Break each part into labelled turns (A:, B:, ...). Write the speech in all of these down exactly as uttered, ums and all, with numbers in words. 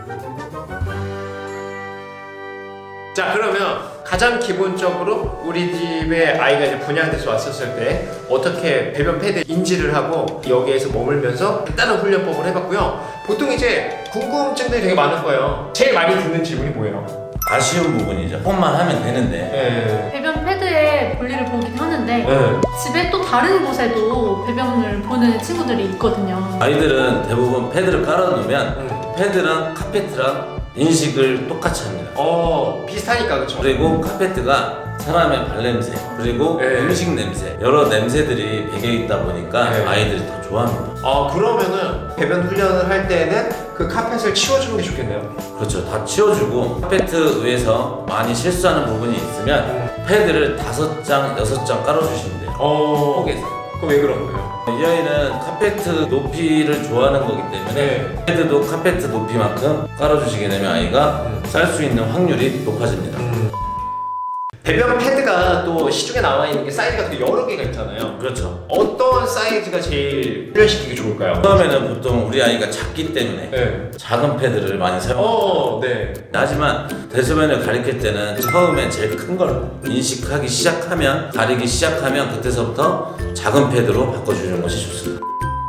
A: 자, 그러면 가장 기본적으로 우리 집에 아이가 이제 분양돼서 왔었을 때 어떻게 배변 패드 인지를 하고 여기에서 머물면서 간단한 훈련법을 해봤고요. 보통 이제 궁금증들이 되게 많을 거예요. 제일 많이 듣는 질문이 뭐예요?
B: 아쉬운 부분이죠. 폰만 하면 되는데.
A: 네.
C: 배변 패드에 볼일을 보긴 하는데
A: 네.
C: 집에 또 다른 곳에도 배변을 보는 친구들이 있거든요.
B: 아이들은 대부분 패드를 깔아놓으면
A: 음.
B: 패드랑 카페트랑 인식을 똑같이 합니다.
A: 어, 비슷하니까 그쵸?
B: 그리고 카페트가 사람의 발냄새 그리고
A: 네.
B: 음식 냄새 여러 냄새들이 배겨있다 보니까
A: 네.
B: 아이들이 더 좋아합니다.
A: 아, 그러면은 배변 훈련을 할 때는 그 카펫을 치워주는 게 좋겠네요.
B: 그렇죠. 다 치워주고 카페트 위에서 많이 실수하는 부분이 있으면
A: 음.
B: 패드를 다섯 장, 여섯 장 깔아주시면 돼요.
A: 어,
B: 폭에서.
A: 그럼 왜 그런 거예요?
B: 이 아이는 카페트 높이를 좋아하는 거기 때문에
A: 네.
B: 패드도 카페트 높이만큼 깔아주시게 되면 아이가
A: 음.
B: 쌀 수 있는 확률이 높아집니다.
A: 음. 배변 패드가 또 시중에 나와 있는 게 사이즈가 되게 여러 개가 있잖아요.
B: 그렇죠.
A: 어떤 사이즈가 제일 훈련시키기 좋을까요?
B: 처음에는 보통 우리 아이가 작기 때문에
A: 네.
B: 작은 패드를 많이 사용합니다.
A: 어, 네.
B: 하지만 대소변을 가리킬 때는 처음에 제일 큰 걸 인식하기 시작하면 가리기 시작하면 그때서부터 작은 패드로 바꿔주는 것이 좋습니다.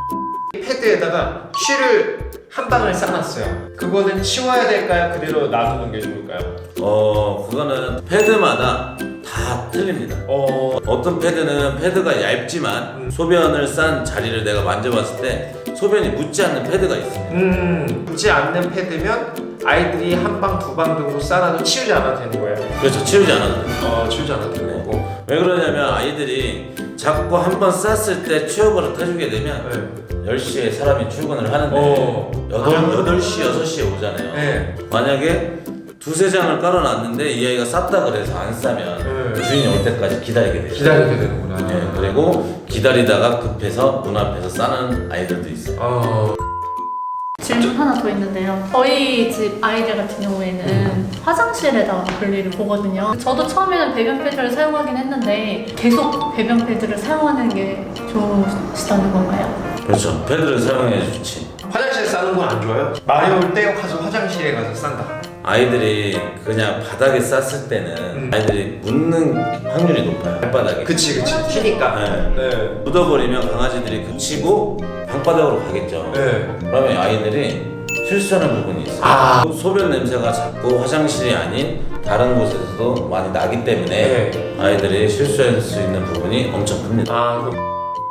A: 패드에다가 쉬를 한 방울 싸놨어요. 그거는 치워야 될까요? 그대로 놔두는 게 좋을까요?
B: 어 그거는 패드마다 다 틀립니다.
A: 어,
B: 어떤 패드는 패드가 얇지만
A: 음.
B: 소변을 싼 자리를 내가 만져봤을 때 소변이 묻지 않는 패드가 있습니다.
A: 음, 묻지 않는 패드면 아이들이 한 방, 두 방 정도 싸놔도 치우지 않아도 되는 거예요.
B: 그래서 치우지 않아도 돼요.
A: 어, 치우지 않아도 되는 거고.
B: 왜 그러냐면 아이들이 자꾸 한 번 쌌을 때 치워버릇 해주게 되면
A: 네.
B: 열 시에 사람이 출근을 하는데
A: 어.
B: 여덟 시, 여섯 시에 오잖아요.
A: 네.
B: 만약에 두세 장을 깔아놨는데 이 아이가 쌌다 그래서 안 싸면
A: 네.
B: 주인이 올 때까지 기다리게 돼요.
A: 기다리게 되는구나.
B: 네, 그리고 기다리다가 급해서 문 앞에서 싸는 아이들도 있어요.
A: 어.
C: 질문 하나 더 있는데요. 저희 집 아이들 같은 경우에는 화장실에다가 볼일을 보거든요. 저도 처음에는 배변 패드를 사용하긴 했는데 계속 배변 패드를 사용하는 게 좋으시다는 건가요?
B: 그렇죠. 패드를 사용해 좋지.
A: 화장실 싸는 건 안 좋아요? 말이 올 때 가서 화장실에 가서 싼다.
B: 아이들이 그냥 바닥에 쌌을 때는
A: 음.
B: 아이들이 묻는 확률이 높아요. 발바닥에.
A: 그치, 그치. 튀니까.
B: 네.
A: 네.
B: 묻어버리면 강아지들이 그치고 방바닥으로 가겠죠.
A: 네.
B: 그러면 아이들이 실수하는 부분이 있어요.
A: 아.
B: 소변 냄새가 자꾸 화장실이 아닌 다른 곳에서도 많이 나기 때문에
A: 네.
B: 아이들이 실수할 수 있는 부분이 엄청 큽니다.
A: 아, 그럼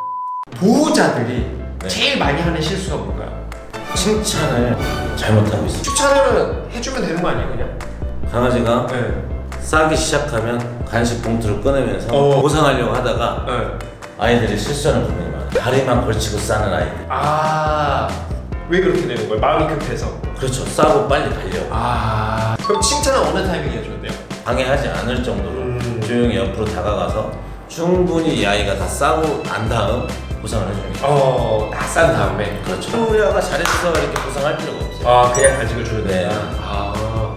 A: 보호자들이
B: 네.
A: 제일 많이 하는 실수가 뭔가요?
B: 칭찬을 잘못하고 있어요.
A: 추천을 해주면 되는 거 아니에요, 그냥?
B: 강아지가
A: 네.
B: 싸기 시작하면 간식 봉투를 꺼내면서
A: 어.
B: 보상하려고 하다가
A: 네.
B: 아이들이 실수하는 부분이 많아요. 다리만 걸치고 싸는 아이들.
A: 아, 왜 그렇게 되는 거예요? 마음이 급해서.
B: 그렇죠. 싸고 빨리 가려고.
A: 아, 그럼 칭찬은 어느 타이밍에 해줘야 돼요?
B: 방해하지 않을 정도로
A: 음.
B: 조용히 옆으로 다가가서 충분히 이 아이가 다 싸고 난 다음 보상을 해줍니다.
A: 어, 다 싼 다음에.
B: 그렇죠. 우리 아가 잘했어 이렇게 보상할 필요가 없어요.
A: 아, 그냥 간식을 줘야
B: 네.
A: 된다. 아.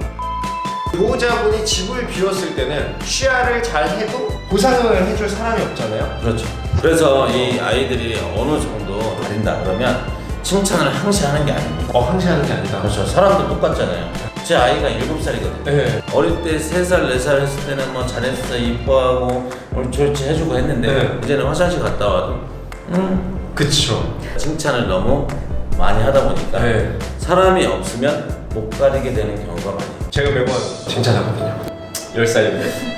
A: 보호자분이 집을 비웠을 때는 쉬야를 잘 해도 보상을 해줄 사람이 없잖아요.
B: 그렇죠. 그래서 이 아이들이 어느 정도 가린다 그러면 칭찬을 항시 하는 게 아닙니다.
A: 어, 항시하는 게 아니다.
B: 그렇죠. 사람도 똑같잖아요. 제 아이가 일곱 살이거든요.
A: 네.
B: 어릴 때 세 살, 네 살 했을 때는 뭐 잘했어, 이뻐하고 옳지 옳지 해주고 했는데
A: 네.
B: 이제는 화장실 갔다 와도 음
A: 그쵸.
B: 칭찬을 너무 많이 하다 보니까
A: 네.
B: 사람이 없으면 못 가리게 되는 경우가 많아요.
A: 제가 매번 칭찬하거든요. 열 살인데.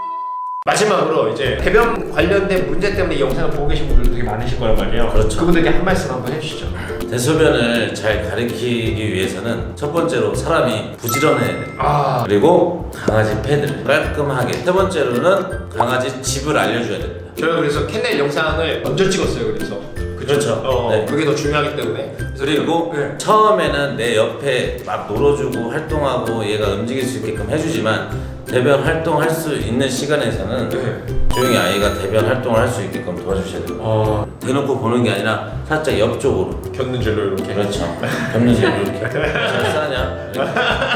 A: 마지막으로 이제 배변 관련된 문제 때문에 이 영상을 보고 계신 분들도 되게 많으실 거란 말이에요.
B: 그렇죠.
A: 그분들께 한 말씀 한번 해주시죠.
B: 대소변을 잘 가리키기 위해서는 첫 번째로 사람이 부지런해야 돼요.
A: 아,
B: 그리고 강아지 패드를 깔끔하게. 세 번째로는 강아지 집을 알려줘야 됩니다.
A: 저희가 그래서 캔넬 영상을 먼저 찍었어요. 그래서
B: 그렇죠.
A: 어,
B: 네.
A: 그게 더 중요하기 때문에.
B: 그리고
A: 네.
B: 처음에는 내 옆에 막 놀아주고 활동하고 얘가 움직일 수 있게끔 해주지만 대변 활동할 수 있는 시간에서는
A: 네.
B: 조용히 아이가 대변 활동을 할 수 있게끔 도와주셔야 됩니다.
A: 어,
B: 대놓고 보는 게 아니라 살짝 옆쪽으로.
A: 곁는 줄로 이렇게.
B: 그렇죠. 겹는지를 이렇게. 잘 싸냐? 이렇게.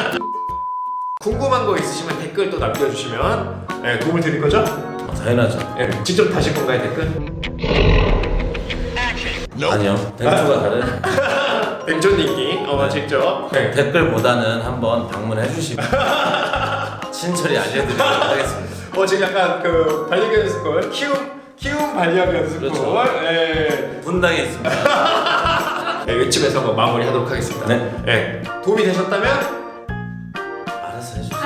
A: 궁금한 거 있으시면 댓글 또 남겨주시면 네, 도움을 드릴 거죠?
B: 어, 당연하죠.
A: 네, 직접 다실 건가요 댓글?
B: 아니요. 댕투가 다른.
A: 냉존인기 어 직접 네.
B: 댓글보다는 한번 방문해 주시면 친절히 알려드리도록 하겠습니다.
A: 어 지금 약간 그 반려견 연습걸 키움 키움 반려견 연습걸
B: 그렇죠.
A: 네.
B: 분당에 있습니다.
A: 네, 이쯤에서 뭐 마무리하도록 하겠습니다.
B: 네.
A: 네. 도움이 되셨다면
B: 알아서 해주세요.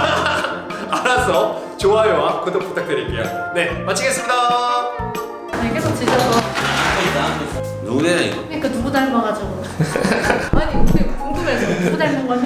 A: 알아서 좋아요와 구독 부탁드릴게요. 네 마치겠습니다.
C: 아니, 계속 지져서.
B: 누구야 이거?
C: 그러니까 누구 닮아가지고. 아니, 우리 궁금해서 누구 닮은 거니?